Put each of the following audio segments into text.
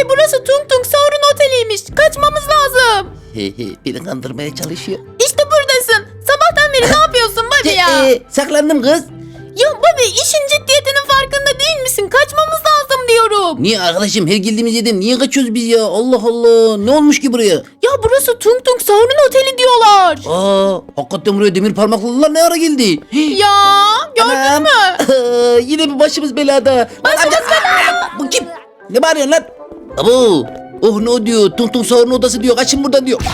Abi burası Tung Tung Sahur'un oteliymiş. Kaçmamız lazım. Beni kandırmaya çalışıyor. İşte buradasın. Sabahtan beri ne yapıyorsun Bobby ya? Saklandım kız. Ya Bobby işin ciddiyetinin farkında değil misin? Kaçmamız lazım diyorum. Niye arkadaşım her geldiğimiz yerden niye kaçıyoruz biz ya? Allah Allah. Ne olmuş ki buraya? Ya burası Tung Tung Sahur'un oteli diyorlar. Hakikaten buraya demir parmaklılar ne ara geldi? Ya gördün mü? Yine bir başımız belada. Başımız belada. Bu kim? Ne bağırıyorsun lan? Abo. Oh ne diyor? Tung Tung Sahur'un odası diyor. Kaçın buradan diyor.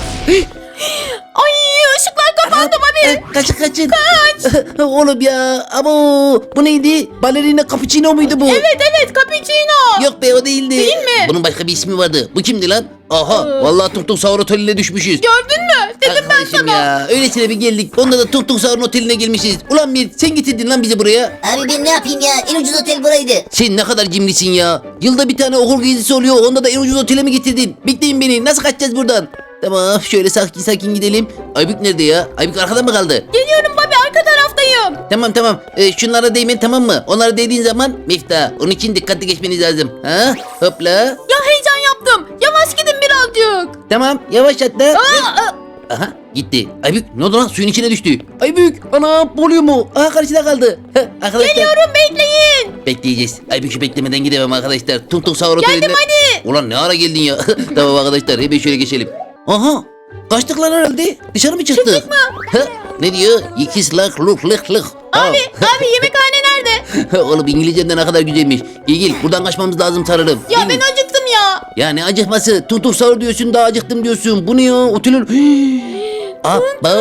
Ay ışıklar kapandı Bobby. Kaçın. Kaç. Oğlum ya. Abo. Bu neydi? Balerina cappuccino muydu bu? Evet cappuccino. Yok be o değildi. Değil mi? Bunun başka bir ismi vardı. Bu kimdi lan? Aha vallahi Tung Tung Sahur oteline düşmüşüz. Gördün mü? Dedim ben Arkadaşım sana. ya öylesine bir geldik. Onda da Tung Tung Sahur'un oteline gelmişiz. Ulan Mir sen getirdin lan bizi buraya. Abi ben ne yapayım ya? En ucuz otel buraydı. Sen ne kadar cimrisin ya. Yılda bir tane okul gezisi oluyor. Onda da en ucuz otele mi getirdin? Bekleyin beni. Nasıl kaçacağız buradan? Tamam şöyle sakin gidelim. Aybük nerede ya? Aybük arkada mı kaldı? Geliyorum Bobby arka taraftayım. Tamam. Şunlara değmen tamam mı? Onlara değdiğin zaman Miftah. Onun için dikkatli geçmeniz lazım. Ha? Hopla. Ya heyecan yaptım. Yavaş gidin birazcık. Tamam yavaş atla. Aa. Aha gitti. Aybük ne oldu lan suyun içine düştü. Aybük ana boğuluyor mu? Aha karşıda kaldı. Arkadaşlar. Geliyorum bekleyin. Bekleyeceğiz. Aybük'ü beklemeden gidemem arkadaşlar. Tung Tung Sahur otelinde. Geldim hadi. Ulan ne ara geldin ya? Tamam arkadaşlar hemen şöyle geçelim. Aha kaçtık lan herhalde. Dışarı mı çıktık? Çıktık mı? Ne diyor? İkiz lak luk lık lık. Abi yemekhane nerede? Oğlum İngilizcen de ne kadar güzelmiş. Gel buradan kaçmamız lazım sarılım. Ya Değil mi? ben acıktım ya. Ya ne acıkması? Tung Tung Sahur diyorsun daha acıktım diyorsun. Bu ne ya? Otelin... Abba!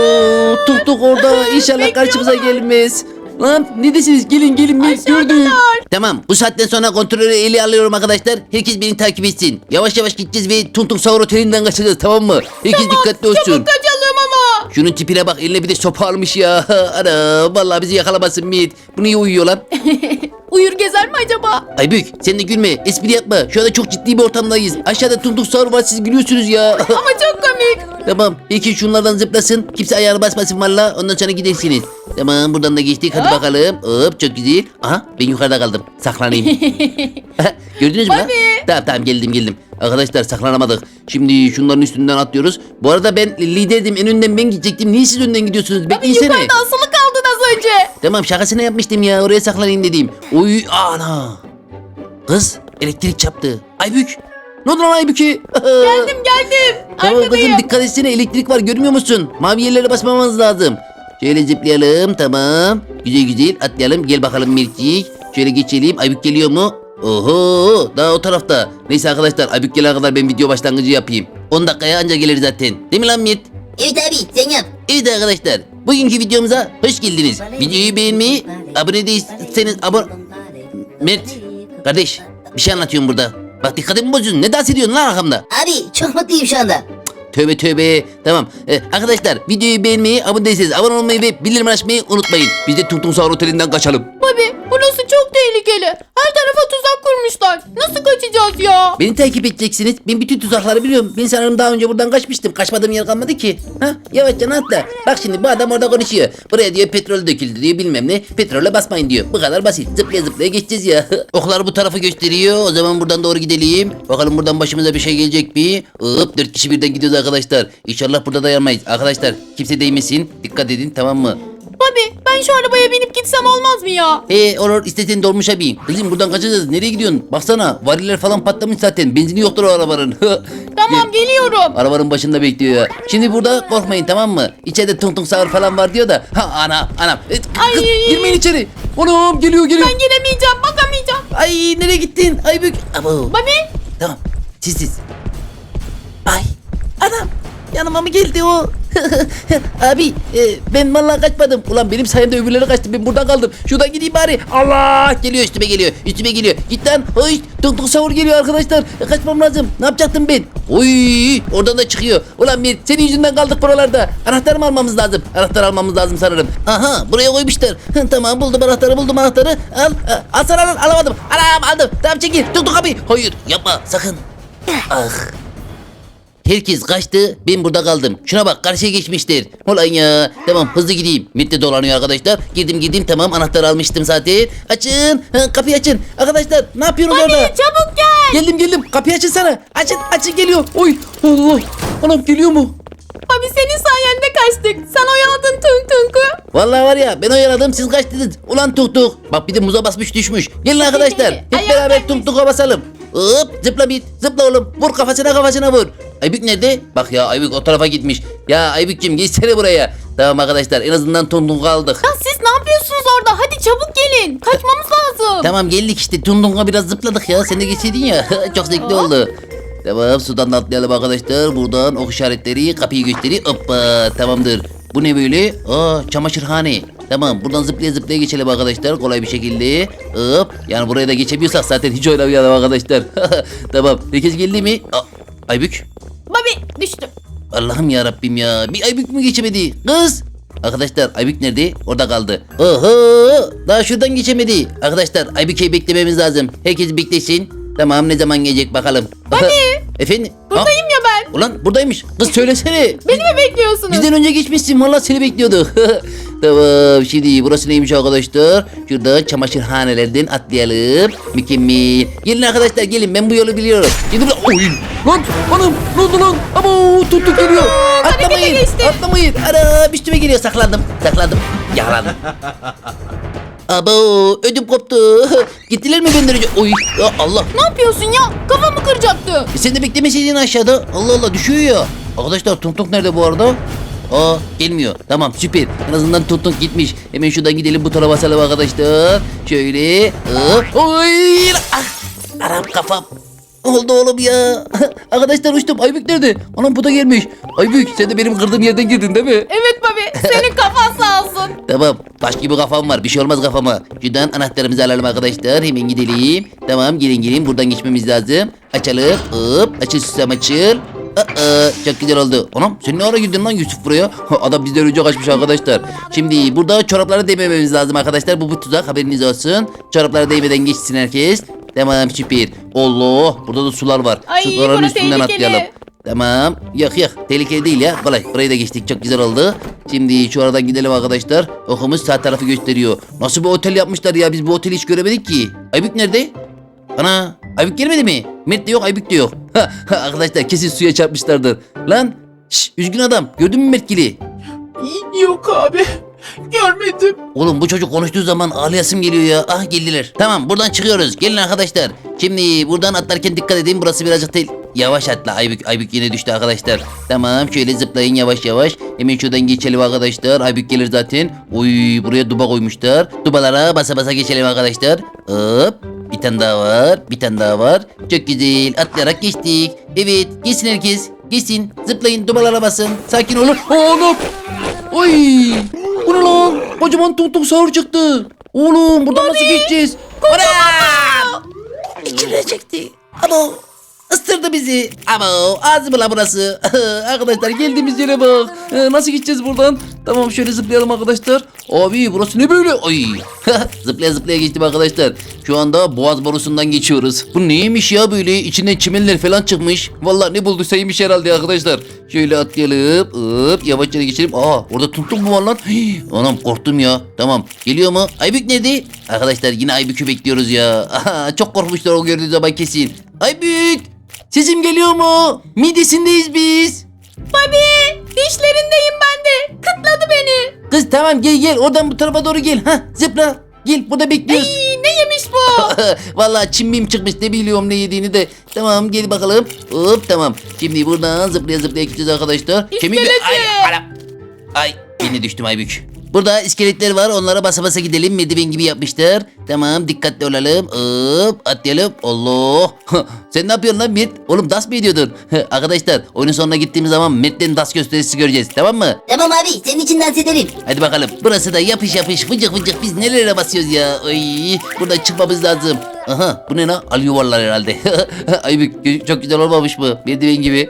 Tuk tuk orada inşallah karşımıza gelmez. Lan ne desiniz? Gelin ben gördüm. Tamam bu saatten sonra kontrolü eli alıyorum arkadaşlar. Herkes beni takip etsin. Yavaş gideceğiz ve Tung Tung Sahur otelinden kaçacağız tamam mı? Herkes dikkatli olsun. Çabuk kaçalım ama. Şunun tipine bak eline bir de sopa almış ya. Ana vallahi bizi yakalamasın Mit. Bu niye uyuyor lan? Uyur gezer mi acaba? Aybük sen de gülme espri yapma. Şu anda çok ciddi bir ortamdayız. Aşağıda Tung Tung Sahur var siz gülüyorsunuz ya. Ama çok komik. Tamam. Peki şunlardan zıplasın. Kimse ayağını basmasın valla. Ondan sonra gidersiniz. Tamam buradan da geçtik. Hadi bakalım. Hop çok güzel. Aha ben yukarıda kaldım. Saklanayım. Gördünüz mü lan? Tamam geldim. Arkadaşlar saklanamadık. Şimdi şunların üstünden atlıyoruz. Bu arada ben liderdim. En önden ben gidecektim. Niye siz önden gidiyorsunuz? Abi Bekleysene. yukarıda asılı kaldın az önce. Tamam şakasına yapmıştım ya. Oraya saklanayım dedim. Oy ana. Kız elektrik çarptı. Aybük. Ne oldu lan Aybük'e? Geldim. Tamam Arkadayım. kızım dikkat etsene elektrik var görmüyor musun? Mavi yerlere basmamamız lazım. Şöyle zıplayalım tamam. Güzel atlayalım gel bakalım Mircik. Şöyle geçelim Aybük geliyor mu? Oho daha o tarafta. Neyse arkadaşlar Aybük gelene kadar ben video başlangıcı yapayım. 10 dakikaya anca gelir zaten. Değil mi lan Mirt? Evet abi sen yap. Evet arkadaşlar bugünkü videomuza hoş geldiniz. Videoyu beğenmeyi, abone değilseniz Mert kardeş bir şey anlatıyorum burada. Bak dikkatimi bozuyorsun. Ne dans ediyorsun lan arkamda? Abi çok mutluyum şu anda. Tövbe. Tamam. Arkadaşlar videoyu beğenmeyi, abone değilseniz abone olmayı ve bildirim açmayı unutmayın. Biz de Tung Tung Sahur otelinden kaçalım. Bobby burası çok tehlikeli. Her tarafa tuzak kurmuşlar. Nasıl kaçacağız ya? Beni takip edeceksiniz. Ben bütün tuzakları biliyorum. Ben sanırım daha önce buradan kaçmıştım. Kaçmadığım yer kalmadı ki. Yavaşça atla. Bak şimdi bu adam orada konuşuyor. Buraya diyor petrol döküldü diyor bilmem ne. Petrole basmayın diyor. Bu kadar basit. Zıplaya geçeceğiz ya. Oklar bu tarafı gösteriyor. O zaman buradan doğru gidelim. Bakalım buradan başımıza bir şey gelecek mi? Hop 4 kişi birden gidiyoruz arkadaşlar. İnşallah burada dayanmayız. Arkadaşlar kimse değmesin. Dikkat edin tamam mı? Bobby ben şu arabaya binip gitsem olmaz mı ya? Olur istediğin dolmuşa bin. Kızım buradan kaçacağız. Nereye gidiyorsun? Baksana variller falan patlamış zaten. Benzini yoktur o arabanın. Tamam geliyorum. Arabanın başında bekliyor ya. Şimdi burada korkmayın tamam mı? İçeride Tung Tung Sahur falan var diyor da. Anam. Ay. Kız, girmeyin içeri. Anam geliyor. Ben gelemeyeceğim bakamayacağım. Ay nereye gittin? Aybük. Abo. Bobby Tamam. Siz. Ay. Anam. Yanıma mı geldi o? Abi ben vallahi kaçmadım. Ulan benim sayemde öbürleri kaçtı. Ben buradan kaldım. Şuradan gideyim bari. Allah geliyor üstüme geliyor. Git lan. Hoş. Tung Tung Sahur geliyor arkadaşlar. Kaçmam lazım. Ne yapacaktım ben? Oy oradan da çıkıyor. Ulan bir senin yüzünden kaldık buralarda. Anahtarı mı almamız lazım? Anahtar almamız lazım sanırım. Aha buraya koymuşlar. Tamam buldum anahtarı. Al sana alamadım. Anam aldım. Tamam çekil. Tung Tung abi. Hayır yapma sakın. Ah. herkes kaçtı. Ben burada kaldım. Şuna bak karşıya geçmiştir. Ulan ya. Tamam hızlı gideyim. Mitte dolanıyor arkadaşlar. Girdim tamam anahtarı almıştım zaten. Açın. Kapıyı açın. Arkadaşlar ne yapıyorsunuz orada? Çabuk gel. Geldim. Kapıyı açın sana. Açın geliyor. Oy Allah. Anam geliyor mu? Abi senin sayende kaçtık. Sen oyaladın Tung Tung'u. Vallahi var ya ben oyaladım siz kaçtınız. Ulan tuk. Bak bir de muza basmış düşmüş. Gelin arkadaşlar. Hep Ayağım beraber kaymış. tuk basalım. Hop zıpla bir. Zıpla oğlum. Vur kafasına vur. Aybük nerede? Bak ya Aybük o tarafa gitmiş. Ya Aybük'cüm geçsene buraya. Tamam arkadaşlar en azından tuk aldık. Ya siz ne yapıyorsunuz orada? Hadi çabuk gelin. Kaçmamız lazım. Tamam geldik işte Tundung'a biraz zıpladık ya. Sen de geçseydin ya. Çok zevkli oldu. Tamam sudan da atlayalım arkadaşlar. Buradan ok işaretleri kapıyı gösteriyor. Hoppa tamamdır. Bu ne böyle? Çamaşırhane. Tamam buradan zıplaya geçelim arkadaşlar. Kolay bir şekilde. Hop. Yani buraya da geçebiliyorsak zaten hiç oynamayalım arkadaşlar. Tamam. Herkes geldi mi? Aybük. Babi düştüm. Allah'ım ya Rabbim ya. Bir Aybük mü geçemedi? Kız. Arkadaşlar Aybük nerede? Orada kaldı. Oho! Daha şuradan geçemedi. Arkadaşlar Aybük'ü beklememiz lazım. Herkes beklesin. Tamam ne zaman gelecek bakalım. Efendim? Buradayım ya ben. Ulan buradaymış. Kız söylesene. Beni mi bekliyorsunuz? Bizden önce geçmişsin. Vallahi seni bekliyorduk. Tamam şimdi burası neymiş arkadaşlar? Şurada çamaşırhanelerden atlayalım. Mükemmel. Gelin arkadaşlar gelin ben bu yolu biliyorum. Gidin oy. Lan hanım ne oldu lan? Ama tuttuk geliyor. Atlamayın. geçti. Atlamayın. Ana üstüme geliyor saklandım. Yakalandım. Abo ödüm koptu. Gittiler mi benden önce? Oy ya Allah. Ne yapıyorsun ya? Kafamı kıracaktı. Sen de beklemeseydin aşağıda. Allah Allah düşüyor ya. Arkadaşlar Tung nerede bu arada? Gelmiyor. Tamam süper. En azından Tung gitmiş. Hemen şuradan gidelim bu tarafa basalım arkadaşlar. Şöyle. Oy. Aram kafam. Oldu oğlum ya. Arkadaşlar uçtum. Aybük nerede? Anam bu da gelmiş. Aybük sen de benim kırdığım yerden girdin değil mi? Evet Babi. Senin kafan sağ olsun. Tamam. Baş gibi kafam var. Bir şey olmaz kafama. Şuradan anahtarımızı alalım arkadaşlar. Hemen gidelim. Tamam gelin. Buradan geçmemiz lazım. Açalım. Hop. Açıl susam açıl. Çok güzel oldu. Anam sen ne ara girdin lan Yusuf buraya? Adam bizden önce kaçmış arkadaşlar. Şimdi burada çoraplara değmememiz lazım arkadaşlar. Bu tuzak haberiniz olsun. Çoraplara değmeden geçsin herkes. Tamam süper. Allah burada da sular var. Ay, Suların bana üstünden tehlikeli. atlayalım. Tamam. Yak. Tehlikeli değil ya. Kolay. Burayı da geçtik. Çok güzel oldu. Şimdi şu aradan gidelim arkadaşlar. Okumuz sağ tarafı gösteriyor. Nasıl bir otel yapmışlar ya? Biz bu oteli hiç göremedik ki. Aybük nerede? Ana. Aybük gelmedi mi? Mert de yok. Aybük de yok. Arkadaşlar kesin suya çarpmışlardır. Lan. Üzgün adam. Gördün mü Mertgil'i? Yok abi. Görmedim. Oğlum bu çocuk konuştuğu zaman ağlayasım geliyor ya. Ah geldiler. Tamam buradan çıkıyoruz. Gelin arkadaşlar. Şimdi buradan atlarken dikkat edin. Burası birazcık yavaş atla. Aybük yine düştü arkadaşlar. Tamam şöyle zıplayın yavaş. Hemen şuradan geçelim arkadaşlar. Aybük gelir zaten. Oy buraya duba koymuşlar. Dubalara basa geçelim arkadaşlar. Hop. Bir tane daha var. Çok güzel. Atlayarak geçtik. Evet. Geçsin herkes. Geçsin. Zıplayın. Dubalara basın. Sakin olun. Oğlum. Oy. Bu ne lan? Kocaman tuk sahur çıktı. Oğlum buradan nasıl geçeceğiz? Ana! İçine çekti. Abo. Isırdı bizi. Abo. Ağzı la burası. Arkadaşlar geldiğimiz yere bak. Nasıl gideceğiz buradan? Tamam şöyle zıplayalım arkadaşlar. Abi burası ne böyle? Ay. zıplaya geçtim arkadaşlar. Şu anda boğaz borusundan geçiyoruz. Bu neymiş ya böyle? İçinden çimenler falan çıkmış. Vallahi ne bulduysa yemiş herhalde arkadaşlar. Şöyle atlayalım. Hop yavaşça geçelim. Orada tuk mu var lan? Anam korktum ya. Tamam. Geliyor mu? Aybük nerede? Arkadaşlar yine Aybük'ü bekliyoruz ya. Çok korkmuşlar o gördüğü zaman kesin. Aybük! Sesim geliyor mu? Midesindeyiz biz. Babi dişlerindeyim ben de. Kıtladı beni. Kız tamam gel oradan bu tarafa doğru gel. Zıpla. Gel burada bekliyoruz. Ne yemiş bu? Vallahi çimbim çıkmış ne biliyorum ne yediğini de. Tamam gel bakalım. Hop tamam. Şimdi buradan zıplaya gideceğiz arkadaşlar. İskeleti. Ay yine düştüm Aybük. Burada iskeletler var onlara basa gidelim. Merdiven gibi yapmışlar. Tamam dikkatli olalım. Hop atlayalım. Allah. Sen ne yapıyorsun lan Mert? Oğlum das mı ediyordun? Arkadaşlar oyunun sonuna gittiğimiz zaman Mert'ten das gösterisi göreceğiz tamam mı? Tamam abi senin için dans ederim. Hadi bakalım. Burası da yapış vıcık biz nelere basıyoruz ya. Ay, buradan çıkmamız lazım. Aha bu ne lan? Al yuvarlar herhalde. Aybük çok güzel olmamış mı? Merdiven gibi.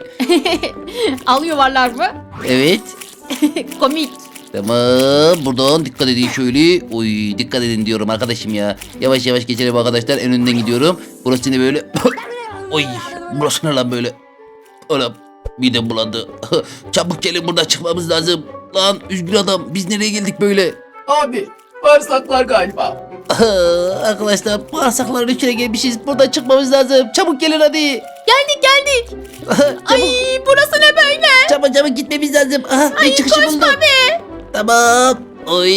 Al yuvarlar mı? Evet. Komik. Tamam buradan dikkat edin şöyle. Oy dikkat edin diyorum arkadaşım ya. Yavaş geçelim arkadaşlar. En önden gidiyorum. Burası ne böyle? Oy burası ne lan böyle? Oğlum midem bulandı. Çabuk gelin, burada çıkmamız lazım. Lan üzgün adam, biz nereye geldik böyle? Abi bağırsaklar galiba. Arkadaşlar bağırsakların içine gelmişiz. Buradan çıkmamız lazım. Çabuk gelin hadi. Geldik. Çabuk. Ay burası ne böyle? Çabuk gitmemiz lazım. Aha, bir Ay çıkışı buldum. koşma be. Tamam. Oy.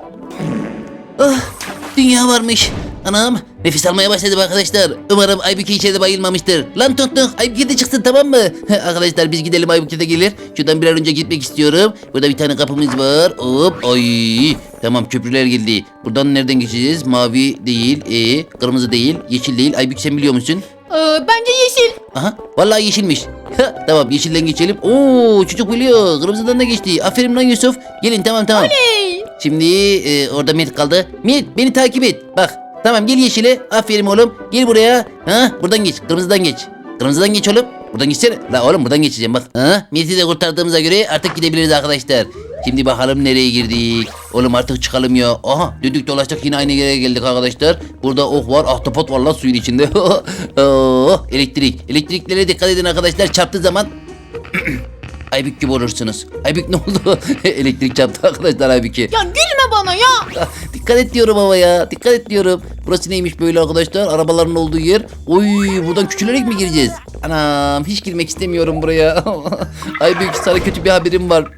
Ah, dünya varmış. Anam, nefes almaya başladım arkadaşlar. Umarım Aybüke içeride bayılmamıştır. Lan Tonton, Aybüke de çıksın, tamam mı? Arkadaşlar biz gidelim, Aybüke de gelir. Şuradan bir an önce gitmek istiyorum. Burada bir tane kapımız var. Hop, ay. Tamam, köprüler geldi. Buradan nereden geçeceğiz? Mavi değil, kırmızı değil, yeşil değil. Aybüke sen biliyor musun? Bence yeşil. Aha, vallahi yeşilmiş. Tamam, yeşilden geçelim. Oo, çocuk biliyor. Kırmızıdan da geçti. Aferin lan Yusuf. Gelin, tamam. Hey. Şimdi orada Mert kaldı. Mert, beni takip et. Bak, tamam, gel yeşile. Aferin oğlum. Gel buraya. Ha, buradan geç. Kırmızıdan geç. Kırmızıdan geç oğlum. Buradan geçsene. La oğlum, buradan geçeceğim bak. Ha, Mert'i de kurtardığımıza göre artık gidebiliriz arkadaşlar. Şimdi bakalım nereye girdik. Oğlum artık çıkalım ya. Aha, döndük dolaştık, yine aynı yere geldik arkadaşlar. Burada ok var, ahtapot var lan suyun içinde. Oh, elektrik. Elektriklere dikkat edin arkadaşlar. Çarptığı zaman Aybük gibi olursunuz. Aybük ne oldu? Elektrik çarptı arkadaşlar Aybük'e. Ya gülme bana ya. Dikkat et diyorum ama ya. Dikkat et diyorum. Burası neymiş böyle arkadaşlar? Arabaların olduğu yer. Oy, buradan küçülerek mi gireceğiz? Anam, hiç girmek istemiyorum buraya. Aybük, sana kötü bir haberim var.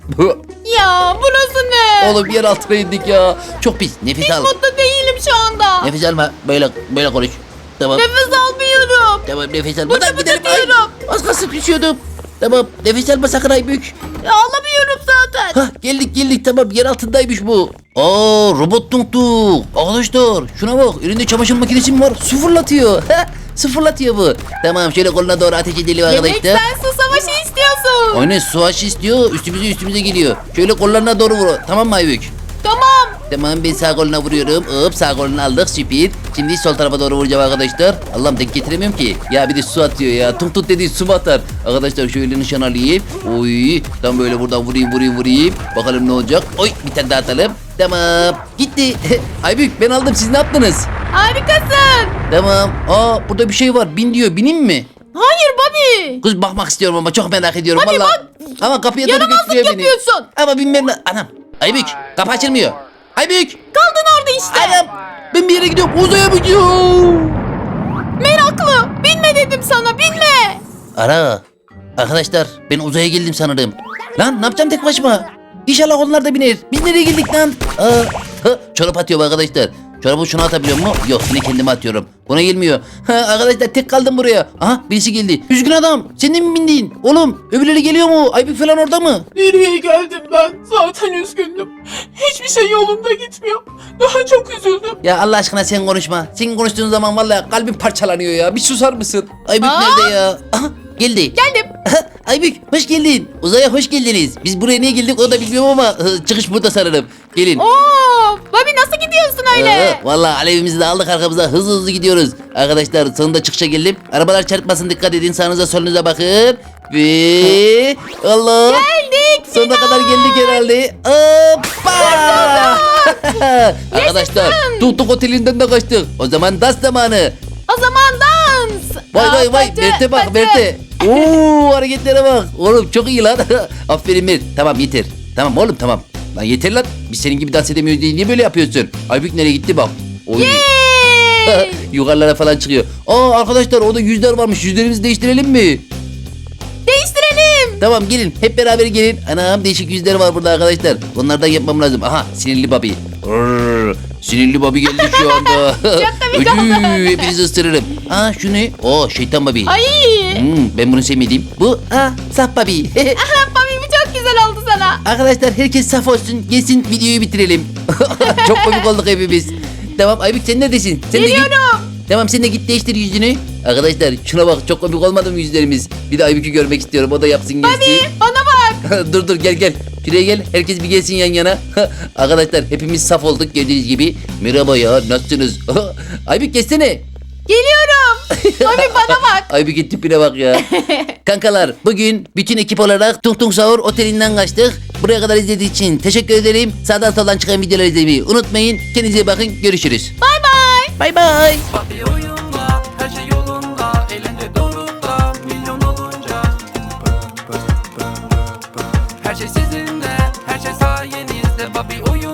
Ya burası ne? Oğlum, yer altına indik ya. Çok pis. Nefes al. Mutlu değilim şu anda. Nefes alma. Böyle konuş. Tamam. Nefes almıyorum. Tamam, nefes al. Buradan Bıdı gidelim. bıdı Ay, diyorum. az kalsın düşüyordum. Tamam, nefes alma sakın Aybük. Ya alamıyorum zaten. Hah, geldik tamam, yer altındaymış bu. Aa, robot tuk. Arkadaşlar şuna bak, elinde çamaşır makinesi mi var? Su fırlatıyor. Su fırlatıyor bu. Tamam, şöyle koluna doğru ateş edelim Demek arkadaşlar. sen su savaşı istiyorsun. Aynen, su aşı istiyor, üstümüze geliyor. Şöyle kollarına doğru vur, tamam mı Aybük? Tamam. Tamam, ben sağ koluna vuruyorum. Hop, sağ kolunu aldık, süper. Şimdi sol tarafa doğru vuracağım arkadaşlar. Allah'ım, denk getiremiyorum ki. Ya bir de su atıyor ya. Tut dediği su mu atar? Arkadaşlar şöyle nişan alayım. Oy, tam böyle buradan vurayım. Bakalım ne olacak. Oy, bir tane daha atalım. Tamam, gitti. Aybük, ben aldım, siz ne yaptınız? Harikasın. Tamam. Aa, burada bir şey var. Bin diyor, bineyim mi? Hayır Bobby. Kız, bakmak istiyorum ama çok merak ediyorum. Hadi vallahi. bak. Ama kapıya doğru Yaramazlık götürüyor beni. yapıyorsun. Ama binmem. Anam. Aybük, kapı açılmıyor. Aybük. Kaldın orada işte. Anam, ben bir yere gidiyorum, uzaya mı gidiyorum? Meraklı. Binme dedim sana, binme. Ara. Arkadaşlar, ben uzaya geldim sanırım. Lan, ne yapacağım tek başıma? İnşallah onlar da biner. Biz nereye geldik lan? Çorap atıyorum arkadaşlar. Çorabı şuna atabiliyor mu? Yok, yine kendime atıyorum. Buna gelmiyor. Arkadaşlar, tek kaldım buraya. Aha, birisi geldi. Üzgün adam, sen de mi bindin? Oğlum, öbürleri geliyor mu? Aybük falan orada mı? Nereye geldim ben? Zaten üzgündüm. Hiçbir şey yolunda gitmiyor. Daha çok üzüldüm. Ya Allah aşkına sen konuşma. Senin konuştuğun zaman vallahi kalbim parçalanıyor ya. Bir susar mısın? Aybük Aa! nerede ya? Aha, geldi. Geldim. Aybük, hoş geldin. Uzaya hoş geldiniz. Biz buraya niye geldik o da bilmiyorum ama çıkış burada sanırım. Gelin. Oo, Bobby nasıl gidiyorsun öyle? Vallahi alevimizi de aldık arkamıza, hızlı gidiyoruz. Arkadaşlar, sonunda çıkışa geldim. Arabalar çarpmasın, dikkat edin, sağınıza solunuza bakın. Ve Allah. Geldik. Sonuna kadar geldik herhalde. Hoppa! Arkadaşlar, Tuk otelinden de kaçtık. O zaman dans zamanı. O zaman dans. Vay Batı, Mert'e bak, batı. Mert'e. Oo, hareketlere bak. Oğlum çok iyi lan. Aferin Mert. Tamam, yeter. Tamam oğlum, tamam. Lan yeter lan. Biz senin gibi dans edemiyoruz diye niye böyle yapıyorsun? Aybük nereye gitti bak. Oy. Yay! Yukarılara falan çıkıyor. Aa, arkadaşlar, orada yüzler varmış. Yüzlerimizi değiştirelim mi? Değiştirelim. Tamam, gelin. Hep beraber gelin. Anam, değişik yüzler var burada arkadaşlar. Onlardan yapmam lazım. Aha, sinirli Bobby. Sinirli Bobby geldi şu anda. Çok komik oldu. Hepinizi ısırırım. Aa, şu ne? Oo, şeytan Bobby. Ay. Ben bunu sevmedim. Bu saf Bobby. Aha, Bobby bu çok güzel oldu sana. Arkadaşlar, herkes saf olsun. Gelsin, videoyu bitirelim. Çok komik olduk hepimiz. Tamam, Aybük sen neredesin? Sen de git. Geliyorum. Tamam, sen de git değiştir yüzünü. Arkadaşlar, şuna bak, çok komik olmadı mı yüzlerimiz? Bir de Aybük'ü görmek istiyorum, o da yapsın gelsin. Bobby bana bak. Dur gel. Şuraya gel, herkes bir gelsin yan yana. Arkadaşlar, hepimiz saf olduk gördüğünüz gibi. Merhaba ya, nasılsınız? Aybük geçsene. Geliyorum. Bobby bana bak. Aybük'ün tipine bak ya. Kankalar, bugün bütün ekip olarak Tung Tung Sahur Oteli'nden kaçtık. Buraya kadar izlediğiniz için teşekkür ederim. Sağdan soldan çıkan videoları izlemeyi unutmayın. Kendinize iyi bakın, görüşürüz. Bye bye. Bye bye. Papi oyunda, her şey yolunda, elinde doğrunda, milyon olunca. her şey sayenizde. Bobby uyuyor